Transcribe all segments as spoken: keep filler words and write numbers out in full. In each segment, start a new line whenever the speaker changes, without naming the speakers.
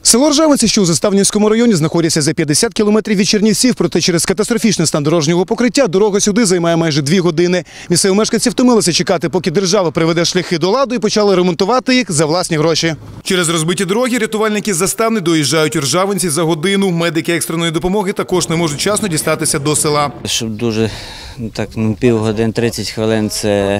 Село Ржавинці, що у Заставнівському районі, знаходиться за п'ятдесят кілометрів від Чернівців, проте через катастрофічний стан дорожнього покриття дорога сюди займає майже дві години. Місцеві мешканці втомилися чекати, поки держава приведе шляхи до ладу, і почали ремонтувати їх за власні гроші. Через розбиті дороги рятувальники з Заставни доїжджають у Ржавинці за годину. Медики екстреної допомоги також не можуть вчасно дістатися до села.
Щоб дуже, так, ну, півгодин, тридцять хвилин – це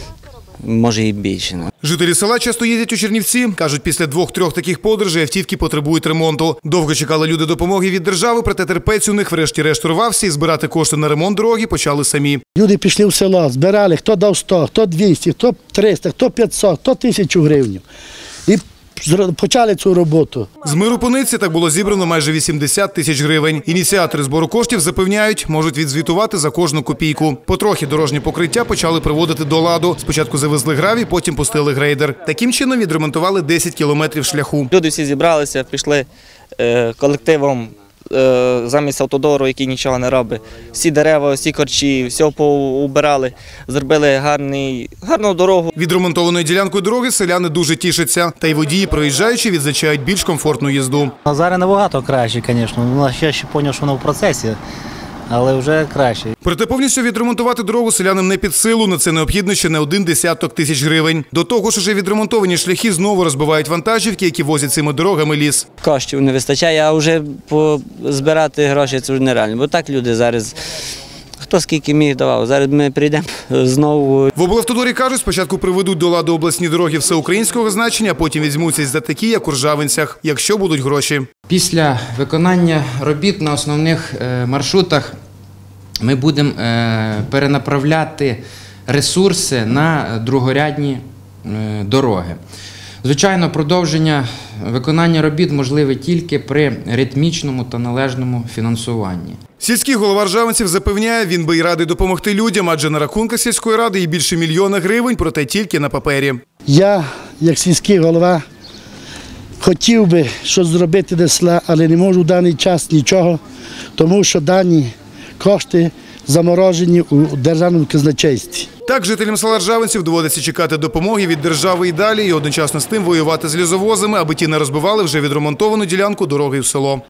може і більше.
Жителі села часто їздять у Чернівці. Кажуть, після двох-трьох таких подорожей автівки потребують ремонту. Довго чекали люди допомоги від держави, проте терпець у них врешті-решт урвався і збирати кошти на ремонт дороги почали самі.
Люди пішли в село, збирали, хто дав сто, хто двісті, хто триста, хто п'ятсот, хто тисячу гривень. І почали цю роботу.
З миру пониці так було зібрано майже вісімдесят тисяч гривень. Ініціатори збору коштів запевняють, можуть відзвітувати за кожну копійку. Потрохи дорожні покриття почали приводити до ладу. Спочатку завезли гравій, потім пустили грейдер. Таким чином відремонтували десять кілометрів шляху.
Люди всі зібралися, пішли е, колективом е, замість автодору, який нічого не робить. Всі дерева, всі корчі, все поубирали, зробили гарний, гарну дорогу.
Відремонтованою ділянкою дороги селяни дуже тішаться. Та й водії, проїжджаючи, відзначають більш комфортну їзду.
Зараз набагато краще, звісно. Я ще зрозумів, що воно в процесі, але вже краще.
Проте повністю відремонтувати дорогу селянам не під силу. На це необхідно ще не один десяток тисяч гривень. До того ж, уже відремонтовані шляхи знову розбивають вантажівки, які возять цими дорогами ліс.
Коштів не вистачає, а вже збирати гроші – це вже нереально. Бо так люди зараз, хто скільки міг давав, зараз ми прийдемо знову.
В облавтодорі кажуть, спочатку приведуть до ладу обласні дороги всеукраїнського значення, а потім візьмуться за такі, як у Ржавинцях, якщо будуть гроші.
Після виконання робіт на основних маршрутах ми будемо перенаправляти ресурси на другорядні дороги. Звичайно, продовження виконання робіт можливе тільки при ритмічному та належному фінансуванні.
Сільський голова Ржавинців запевняє, він би й радий допомогти людям, адже на рахунках сільської ради є більше мільйона гривень, проте тільки на папері.
Я, як сільський голова, хотів би щось зробити для села, але не можу в даний час нічого, тому що дані кошти заморожені у державному казначействі.
Так, жителям села Ржавинців доводиться чекати допомоги від держави і далі, і одночасно з тим воювати з лісовозами, аби ті не розбивали вже відремонтовану ділянку дороги в село.